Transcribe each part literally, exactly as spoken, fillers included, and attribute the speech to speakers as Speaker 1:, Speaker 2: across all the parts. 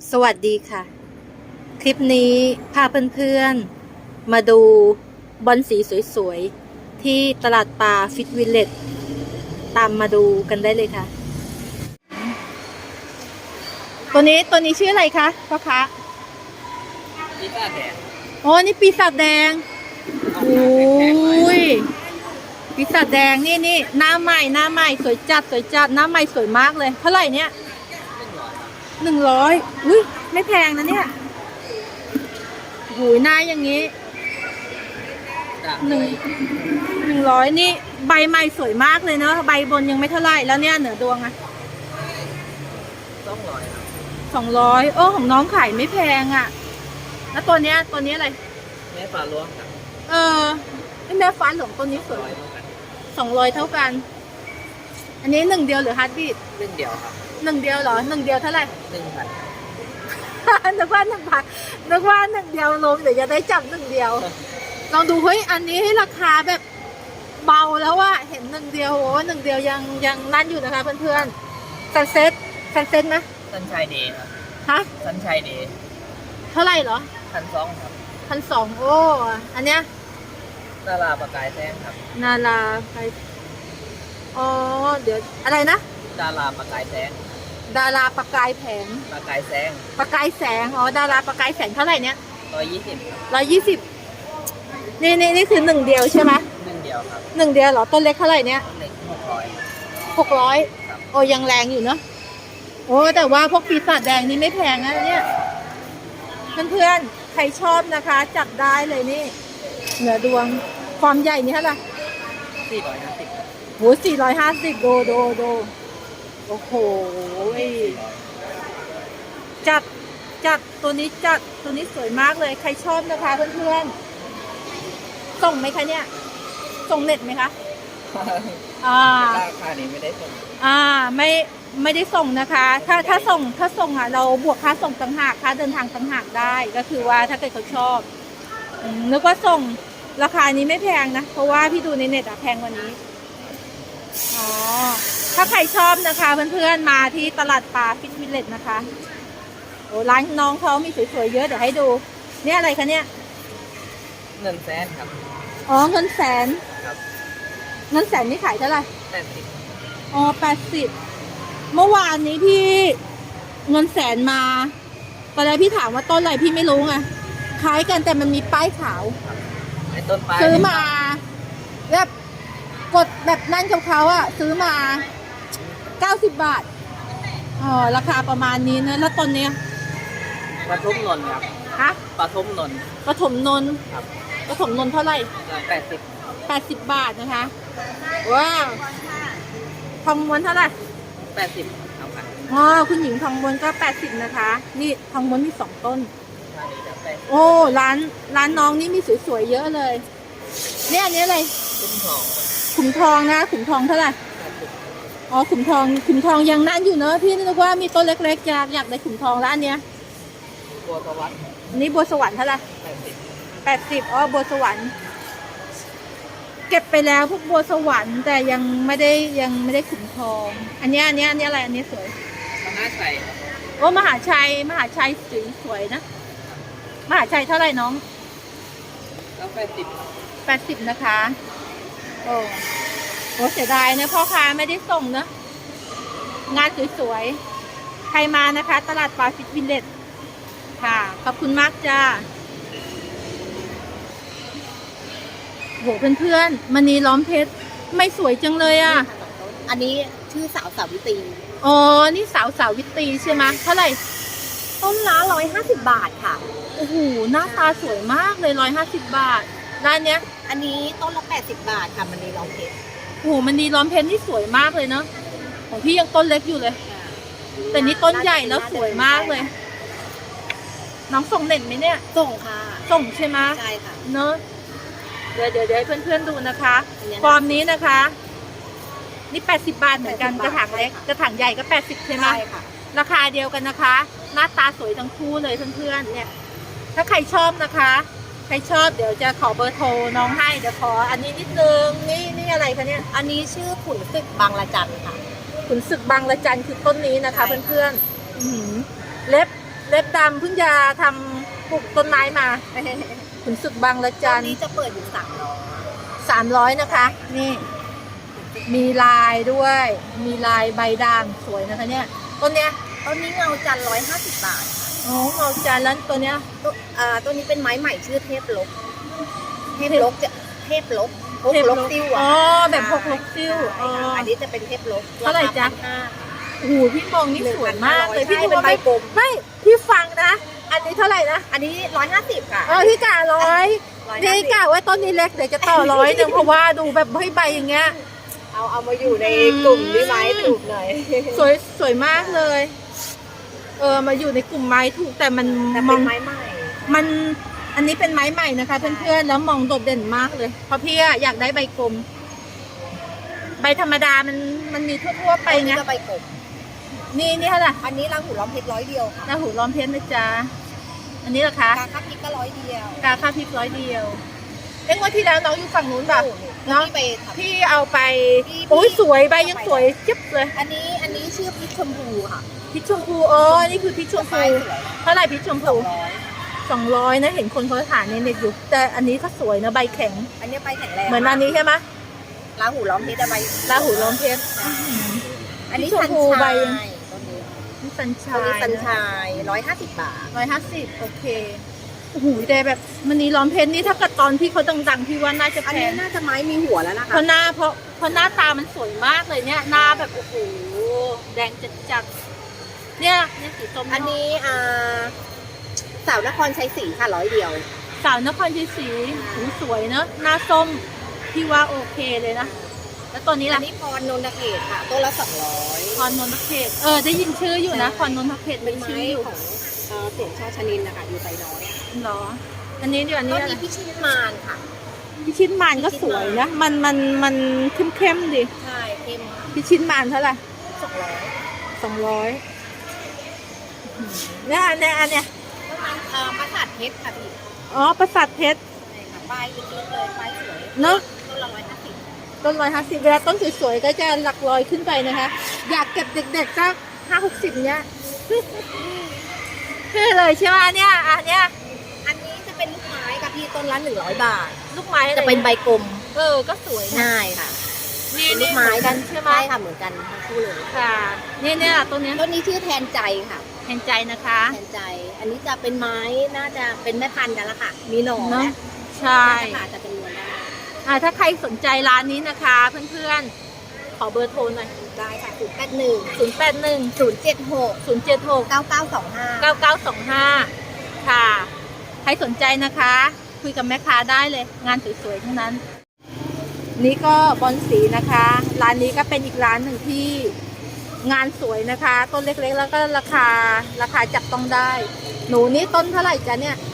Speaker 1: สวัสดีค่ะ คลิปนี้พาเพื่อนๆมาดูบอลสีสวยๆที่ตลาดปลาฟิตวิลเลจตามมาดูกันได้เลยค่ะ ตัวนี้ตัวนี้ชื่ออะไรคะพ่อคะ
Speaker 2: ปีศาจแดง
Speaker 1: อ๋อนี่ปีศาจแดงโอ้ยปีศาจแดงนี่นี่หน้าใหม่หน้าใหม่สวยจัดสวยจัดหน้าใหม่สวยมากเลยเท่าไหร่เนี่ยหนึ่งร้อยอุ้ยไม่แพงนะเนี่ยหูยหน้าอย่างนี้หนึ่งหนึ่งร้อยนี่ใบใหม่สวยมากเลยเนาะใบบนยังไม่เท่าไหร่แล้วเนี่ยเหนือดวงอะ
Speaker 2: สองร้อย
Speaker 1: สองร้อยโอ้ของน้องขายไม่แพงอะแล้วตัวเนี้ยตัวนี้อะไร
Speaker 2: แม่ปลาล้วงครับ
Speaker 1: เออแม่ฟ้าหลงตัวนี้สวยสองร้อยเท่ากันอันนี้หนึ่งเดียวหรือฮาร์ดบีท
Speaker 2: หนึ่งเดียวครับ
Speaker 1: หนึ่งเดียวเหรอหนึ่งเดียวเท่าไหร่
Speaker 2: หนึ่งพัน
Speaker 1: นึกว่าหนึ่งพันนึกว่าหนึ่งเดียวลงเดี๋ยวจะได้จับหนึ่งเดียวลองดูเฮ้ยอันนี้ให้ราคาแบบเบาแล้วว่าเห็นหนึ่งเดียวโอ้หนึ่งเดียวยังยังนั่นอยู่นะคะเพื่อนๆซันเซ็ตซันเซ็ตไหม
Speaker 2: สันชัยเดย์ครับ
Speaker 1: ฮะ
Speaker 2: สันชัยเดย์
Speaker 1: เท่าไหร่เหรอ
Speaker 2: พันสองครับ
Speaker 1: พันสองโอ้อันเนี้ย
Speaker 2: นาราประกายแสงครับ
Speaker 1: นาราไปอ๋อเดี๋ยวอะไรนะ
Speaker 2: ดาราประกายแสง
Speaker 1: ดาราประกายแผง
Speaker 2: ประกายแสง
Speaker 1: ประกายแสงอ๋อดาราประกายแสงเท่าไหร่เนี้ย
Speaker 2: ร้อยยี่สิบ
Speaker 1: ร้อยยี่สิบนี่นี่นี่คือหนึ่งเดียวใช่ไหม
Speaker 2: หนึ่งเดียวครับ
Speaker 1: หนึ่งเดียวเหรอต้นเล็กเท่าไหร่เนี้ย
Speaker 2: เล็กหกร้อย
Speaker 1: หกร้อยโอ้ยังแรงอยู่เนาะโอ้แต่ว่าพวกปีศาจแดงนี่ไม่แพงนะเนี่ยเพื่อนๆใครชอบนะคะจับได้เลยนี่เหนือดวงความใหญ่นี่เท่าไหร่
Speaker 2: สี่ร้อยห้าสิบ
Speaker 1: โหสี่ร้อยห้าสิบโดโดโดโอ้โหจัดจัดตัวนี้จัดตัวนี้สวยมากเลยใครชอบนะคะเพื่อนๆส่งไหมคะเนี่ยส่งเน็ตไหมคะอ่า
Speaker 2: ราคานี้ไม่ได้ส่ง
Speaker 1: อ่าไม่ไม่ได้ส่งนะคะถ้าถ้าส่งถ้าส่งอ่ะเราบวกค่าส่งต่างหากค่าเดินทางต่างหากได้ก็คือว่าถ้าเกิดเขาชอบนึกว่าส่งราคานี้ไม่แพงนะเพราะว่าพี่ดูในเน็ตอะแพงกว่านี้อ๋อถ้าใครชอบนะคะเพื่อนๆมาที่ตลาดปลาฟิตวิลเลจนะคะโอ้ร้านน้องเขามีสวยๆเยอะเดี๋ยวให้ดูเนี่ยอะไรคะเนี่ย
Speaker 2: เงินแสนครับ
Speaker 1: อ๋อเงินแสน
Speaker 2: ครับ
Speaker 1: เงินแสนนี่ขายเท่าไหร่
Speaker 2: แปดสิบ
Speaker 1: อ๋อแปดสิบเมื่อวานนี้พี่เงินแสนมาตอนแรกพี่ถามว่าต้นอะไรพี่ไม่รู้ไงคล้ายกันแต่มันมีป้ายขาว
Speaker 2: ไอ้ต้นปลาย
Speaker 1: ซื้อมาแบบกดแบบนั่นของเขาอะซื้อมาเก้าสิบบาทอ๋อราคาประมาณนี้นะแล้วต้นเนี้ย
Speaker 2: ปฐมนนท์ครับ
Speaker 1: ฮะ
Speaker 2: ปฐมนนท์
Speaker 1: ปฐมนนท์
Speaker 2: ครับ
Speaker 1: ปฐมนนท์เท่าไหร่
Speaker 2: แปดสิบ
Speaker 1: แปดสิบบาทนะคะว้าวทองม้วนเท่าไหร่
Speaker 2: แปดสิบเอาค่ะ
Speaker 1: อ๋อคุณหญิงทองม้วนก็แปดสิบนะคะนี่ทองม้วนมีสองต้นโอ้ร้านร้านน้องนี่มีสวยๆเยอะเลยเนี่ยอันนี้อะไร
Speaker 2: ขุมทอง
Speaker 1: ขุมทองนะขุมทองเท่าไหร่อ๋อขุมทองขุมทองยังนั่นอยู่เนอะพี่นึกว่ามีต้นเล็กๆอยากอยากได้ขุมทองร้านเนี้ย
Speaker 2: บัวสวรรค์
Speaker 1: อันนี้บัวสวรรค์เท่าไหร่แปดสิบแปดสิบอ๋อบัวสวรรค์เก็บไปแล้วพวกบัวสวรรค์แต่ยังไม่ได้ยังไม่ได้ขุมทองอันนี้อันนี้อันนี้อะไรอันนี้สวย
Speaker 2: มหาชัย
Speaker 1: โอ้มหาชัยมหาชัยสวยสวยนะมหาชัยเท่าไหร่น้อง
Speaker 2: ก็แปดสิบ
Speaker 1: แปดสิบนะคะโอ้โหเสียดายนะพ่อค้าไม่ได้ส่งนะงานสวยๆใครมานะคะตลาดปลาฟิตวิลเลจค่ะขอบคุณมากจ้าโหเพื่อนๆมณีล้อมเพชรไม่สวยจังเลยอ่ะ
Speaker 3: อันนี้ชื่อสาวสาวิตรี
Speaker 1: อ๋อนี่สาวสาวิตรีใช่ไหมเท่าไหร่
Speaker 3: ต้นละร้อยห้าสิบบาทค่ะ
Speaker 1: โอ้โหหน้าตาสวยมากเลยร้อยห้าสิบบาทร้านเนี้ย
Speaker 3: อันนี้ต้นละแปดสิบบาทค่ะมันนีล้อมเพชร
Speaker 1: โอ้โหมันนีล้อมเพชรนี่สวยมากเลยเนาะของพี่ยังต้นเล็กอยู่เลยแต่นี่ต้นใหญ่แล้วสวยมากเลยน้องส่งเน็ตไหมเนี่ย
Speaker 3: ส่งค่ะ
Speaker 1: ส่งใช่ไหม
Speaker 3: ใช่ค่ะ
Speaker 1: เนอะเดี๋ยวเดี๋ยวให้เพื่อนๆดูนะคะฟอร์มนี้นะคะนี่แปดสิบบาทเหมือนกันกระถางเล็กกระถางใหญ่ก็แปดสิบใช่ไหม
Speaker 3: ใช่ค่ะ
Speaker 1: ราคาเดียวกันนะคะหน้าตาสวยทั้งคู่เลยเพื่อนๆเนี่ยถ้าใครชอบนะคะใครชอบเดี๋ยวจะขอเบอร์โทรน้องให้เดี๋ยวขออันนี้นิดนึงนี่นี่อะไรคะเนี่ย
Speaker 3: อันนี้ชื่อขุนศึกบางละจันค่ะ
Speaker 1: ขุนศึกบางละจันคือต้นนี้นะคะเพื่อนๆเล็บเล็บดำเพิ่งจะทำปลูกต้นไม้มาขุนศึกบางละ
Speaker 3: ต
Speaker 1: จั
Speaker 3: อน
Speaker 1: น
Speaker 3: นี้จะเปิดอยู่สามร้อย
Speaker 1: สามร้อยนะคะ นี่ มีลายด้วย มีลายใบด่างสวยนะคะเนี่ยต้นเนี้ย
Speaker 3: ต้นนี้เงาจันร้อยห้าสิบบาท
Speaker 1: อ๋อเงาจันทร์แล้วตัวเนี้ย
Speaker 3: ตัวอ่าตัวนี้เป็นไม้ใหม่ชื่อเทพลกเทพลกจะเทพลกพก
Speaker 1: เทพ
Speaker 3: ลกติ้ว
Speaker 1: อ๋
Speaker 3: อ่ะ
Speaker 1: อแบบพกลกติ้วอ๋อ
Speaker 3: ใช่ค่ะอันนี้จะเป็นเทพลก
Speaker 1: เท่าไหร่จ๊ะ
Speaker 3: คพันห้า
Speaker 1: โอ้โหพี่มองนี่สวยมากเลย
Speaker 3: ใช่
Speaker 1: พี่ดู
Speaker 3: เป็น
Speaker 1: ว่า
Speaker 3: ใบ
Speaker 1: ไม่
Speaker 3: กลม
Speaker 1: ไม่พี่ฟังนะ อันนี้เท่าไหร่นะ
Speaker 3: อันนี้ร้อยห้าสิบค่ะ
Speaker 1: เออพี่กะร้อย
Speaker 3: ร้อย
Speaker 1: นี่
Speaker 3: ห้าสิบ
Speaker 1: กะว่าต้นนี้เล็กเดี๋ยวจะต่อร้อยหนึ่งเพราะว่าดูแบบให้ใบอย่างเงี้ย
Speaker 3: เอาเอามาอยู่ในกลุ่มนี้ไหมถูกหน่อย
Speaker 1: สวยสวยมากเลย เออมาอยู่ในกลุ่มไม้ถูกแต่มัน
Speaker 3: แต่
Speaker 1: ม
Speaker 3: เป็
Speaker 1: อง
Speaker 3: นไม้ใหม่
Speaker 1: มันอันนี้เป็นไม้ใหม่นะคะเพื่อนๆแล้วมองโดดเด่นมากเลย เพราะพี่อะอยากได้ใบกลม ใบธรรมดามันมันมีทั่วๆไป
Speaker 3: อัน
Speaker 1: ไง
Speaker 3: นี้จะใบกบ
Speaker 1: นี่นี่เท่าไหร่
Speaker 3: อันนี้รังหูล้อมเพชรร้อยเดียวค่ะ
Speaker 1: หน้าหูล้อมเพชรนะจ๊ะอันนี้ราคา
Speaker 3: กาค่าพริกก็ร้อยเดียว
Speaker 1: กาค่าพริกร้อยเดียวเอ้งวันที่แล้วน้องอยู่ฝั่งนู้นป่ะ
Speaker 3: เนาะไปทำ
Speaker 1: พี่เอาไป
Speaker 3: พี่
Speaker 1: โอ้ย
Speaker 3: พี่
Speaker 1: สวยใบยังสวยจิ๊บเลย
Speaker 3: อันนี้อันนี้ชื่อพริกชมพูค่ะ
Speaker 1: พริกชมพูอ๋อนี่คือพริกชม
Speaker 3: ไฟ
Speaker 1: พู
Speaker 3: สวย
Speaker 1: เท่าไหร่พริกชม
Speaker 3: สอ
Speaker 1: พู
Speaker 3: งร้อย
Speaker 1: สองร้อยนะเห็นคนเขาถ่ายในเน็ตอยู่แต่อันนี้ก็สวยนะใบแข็ง
Speaker 3: อันนี้ใบแข็งแรง
Speaker 1: เหมือนอันนี้ใช่ไหม
Speaker 3: ราหูล้อมเพชรจะใบ
Speaker 1: ลาหูล้อมเพชร
Speaker 3: อันนี้
Speaker 1: พริกช
Speaker 3: สั
Speaker 1: ม
Speaker 3: น
Speaker 1: พู
Speaker 3: ชา
Speaker 1: ใบ
Speaker 3: ยต้นนี้
Speaker 1: นี่สัญ
Speaker 3: ต้
Speaker 1: ชาน
Speaker 3: นี้
Speaker 1: ย
Speaker 3: สันชายร้อยห้าสิบบาท
Speaker 1: ร้อยห้าสิบโอเคโอ้โหแต่แบบมันนี่ล้อมเพชรนี่ถ้าเกิดตอนพี่เขาดังๆพี่ว่าน่าจะ
Speaker 3: อัน
Speaker 1: แพ
Speaker 3: นี้
Speaker 1: ง
Speaker 3: น่าจะไม้มีหัวแล้วนะ
Speaker 1: เพ
Speaker 3: คะ
Speaker 1: ราะหน้าเพราะเพราะหน้าตามันสวยมากเลยเนี่ยหน้าแบบโอ้โหแดงจัดๆเนี่ยเนี่ยสีส้ม
Speaker 3: อันนี้อ่าสาวนครชัยศรีค่ะร้อยเดียว
Speaker 1: สาวนครชัยศรีหูสวยเนอะหน้าส้มพี่ว่าโอเคเลยนะแล้วตัวนี้
Speaker 3: อั
Speaker 1: ล่ะ
Speaker 3: นนี้พรนนทเขตค่ะต้นละสองร้อย
Speaker 1: พรนนทเขตเออได้ยินชื่ออยู่นะพรนนทเขต
Speaker 3: เป็
Speaker 1: เป็น น
Speaker 3: ไม้
Speaker 1: ชื่ออยู่
Speaker 3: ของเอ่อเสียงชาชนินนะคะอยู่ไซน้อย
Speaker 1: เหรออันนี้เดี๋ยวอัน
Speaker 3: ต้
Speaker 1: นี้
Speaker 3: น
Speaker 1: อะไร
Speaker 3: นี้พี่ชินมานค่ะ
Speaker 1: พิชิตมานก็สวยนะมันมันมันเข้มเข้มๆดิ
Speaker 3: ใช่เข้มค่ะ
Speaker 1: พิชิตมานเท่าไหร่
Speaker 3: สองร้อย
Speaker 1: สองร้อยเนี่ยอันเนี้ยอันเนี้ย
Speaker 3: ต้นไม้เอ่อประสาทเพชรค่ะพี่
Speaker 1: อ๋อประสาทเพชร
Speaker 3: ใช่ค่ะป้ายลึกๆเลยป้ายสวย
Speaker 1: เนอะ
Speaker 3: ต้นละร้อยห้าสิบ
Speaker 1: ต้นร้อยห้าสิบเวลาต้นสวยๆก็จะหลักร้อยขึ้นไปนะคะ อยากเก็บเด็กๆสักห้าหกสิบเนี้ย คือเลยใช่ไหมเนี่ยอันเนี้ย
Speaker 3: อันนี้จะเป็นลูกไม้ค่ะพี่ต้นละหนึ่งร้อยบาท
Speaker 1: ลูกไม้อไร
Speaker 3: จะเป็นใบกลม
Speaker 1: เออก็สวยนะ
Speaker 3: ง่ายค่ะ
Speaker 1: นี่
Speaker 3: เป็นลู
Speaker 1: นี่
Speaker 3: ก
Speaker 1: เหมื
Speaker 3: ไม้
Speaker 1: อนกันใช่ไหม
Speaker 3: ใช่ค่ะเหมือนกันทั้งคู่เลย
Speaker 1: ค่ะเนี่ยเนี่ยต้นเนี้ย
Speaker 3: ต้นนี้ชื่อแทนใจค่ะ
Speaker 1: แทนใจนะคะ
Speaker 3: แทนใจ อันนี้จะเป็นไม้น่าจะเป็นแม่พันธุ์กันละค่ะ มีหน่อ
Speaker 1: เนอะ
Speaker 3: และ
Speaker 1: ใช่
Speaker 3: น่าจะผ่าจะเป็นนวลได้
Speaker 1: อ่าถ้าใครสนใจร้านนี้นะคะ เพื่อนๆ ขอเบอร์โทรหน่อย
Speaker 3: ได้ค่ะศูนย์แปดหนึ่ง
Speaker 1: ศูนย์ แปด หนึ่ง
Speaker 3: ศูนย์เจ็ดหก
Speaker 1: ศูนย์ เจ็ด หก
Speaker 3: เก้าเก้าสองห้า
Speaker 1: เก้า เก้า สอง ห้า ค่ะ ใครสนใจนะคะ คุยกับแม่ค้าได้เลย งานสวยๆทั้งนั้น นี่ก็บอลสีนะคะ ร้านนี้ก็เป็นอีกร้านหนึ่งที่งานสวยนะคะ ต้นเล็กๆ แล้วก็ราคาราคาจับต้องได้ หนูนี่ต้นเท่าไหร่จ๊ะเนี่ย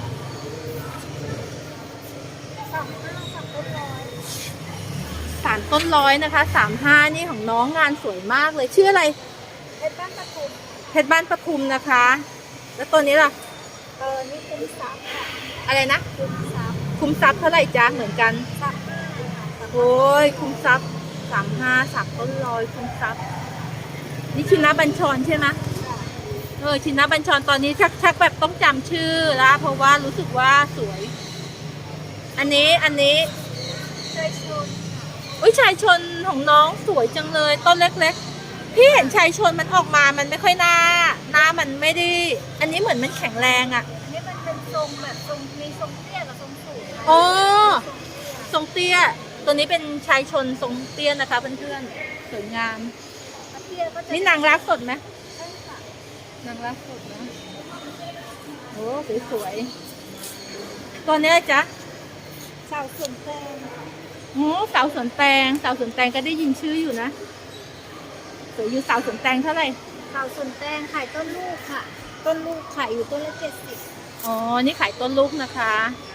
Speaker 1: สามต้นร้อยนะคะสามห้านี่ของน้องงานสวยมากเลยชื่ออะไร
Speaker 3: เพชรบ้านปทุม
Speaker 1: เพชรบ้านประทุมนะคะ แล้วตัวนี้ล่ะ
Speaker 3: เออนี่คุ้มทรัพย์ค่ะ
Speaker 1: อะไรนะ
Speaker 3: คุ้มทรัพย์
Speaker 1: คุ้มทรัพย์เท่าไหร่จ๊ะเหมือนกัน
Speaker 3: ทรัพย์
Speaker 1: โอ้ยคุ้มทรัพย์สามห้าสามต้นร้อยคุ้มทรัพย์นี่ชินะบัญชรใช่ไหมเออชินะบัญชรตอนนี้ชักชักแบบต้องจำชื่อละเพราะว่ารู้สึกว่าสวย อันนี้อันนี้
Speaker 3: เคยชน
Speaker 1: อุ้ยชายชนของน้องสวยจังเลยต้นเล็กๆพี่เห็นชายชนมันออกมามันไม่ค่อยหน้าหน้ามันไม่ได้อันนี้เหมือนมันแข็งแรงอ่ะ
Speaker 3: อันนี้มันเป็นทรงแบบทรงมีทรงเตี้ยกับทรงสูงนะ
Speaker 1: อ๋อทรงเตี้ยตัวนี้เป็นชายชนทรงเตี้ยนะคะเพื่อนๆสวยงาม
Speaker 3: เตี้ยก็จะ
Speaker 1: นี่นางรักสดไหม
Speaker 3: ใช่ค่ะ
Speaker 1: นางรักสดนะโอ้สวยๆตัวนี้จ๊ะ
Speaker 3: สาวสวนแตง
Speaker 1: โอ้สาวสวนแตงสาวสวนแตงก็ได้ยินชื่ออยู่นะสวยอยู่สาวสวนแตงเท่าไหร่
Speaker 3: สาวสวนแตงขายต้นลูกค่ะ ต้นลูกขายอยู่ต้นละเจ็ดสิบ
Speaker 1: อ๋อนี่ขายต้นลูกนะคะ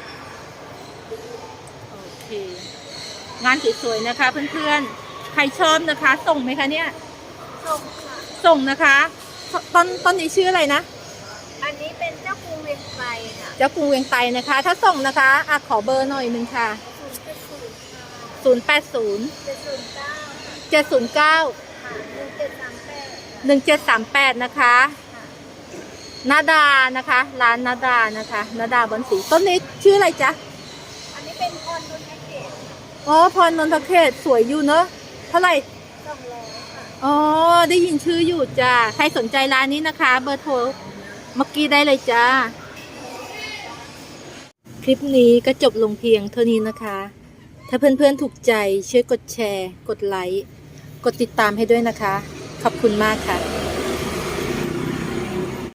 Speaker 1: โอเคงานสวยๆนะคะเพื่อนๆใครชอบนะคะ ส่งไหมคะเนี่ย
Speaker 3: ส่งค่ะ
Speaker 1: ส่งนะคะต้นต้นนี้ชื่ออะไรนะ
Speaker 3: อันนี้เป็นเจ้ากรุงเวียงไกรค่ะ
Speaker 1: เจ้ากรุงเวียงไตนะคะ ถ้าส่งนะคะอ่ะขอเบอร์หน่อยหนึ่งค่ะ
Speaker 3: ศูนย์เจ็ดศูนย์ค่ะ
Speaker 1: ศูนย์ แปด ศูนย์
Speaker 3: เจ็ดศูนย์เก้า
Speaker 1: เจ็ดศูนย์เก้า
Speaker 3: ค่ะหนึ่งเจ็ดสามแปด
Speaker 1: หนึ่งเจ็ดสามแปดนะคะ
Speaker 3: ค่ะ
Speaker 1: นาดานะคะ ร้านนาดานะคะนาดาบอนสีต้นนี้ชื่ออะไรจ๊ะ
Speaker 3: อันนี้เป็นพรนนทเขต
Speaker 1: อ๋อพรนนทเขตสวยอยู่เนอะเท่าไหร่
Speaker 3: สองร้อยค่ะ
Speaker 1: อ๋อได้ยินชื่ออยู่จ้าใครสนใจร้านนี้นะคะ เบอร์โทรเมื่อกี้ได้เลยจ้าคลิปนี้ก็จบลงเพียงเท่านี้นะคะ ถ้าเพื่อนๆถูกใจช่วยกดแชร์ กดไลค์ กดติดตามให้ด้วยนะคะ ขอบคุณมากค่ะ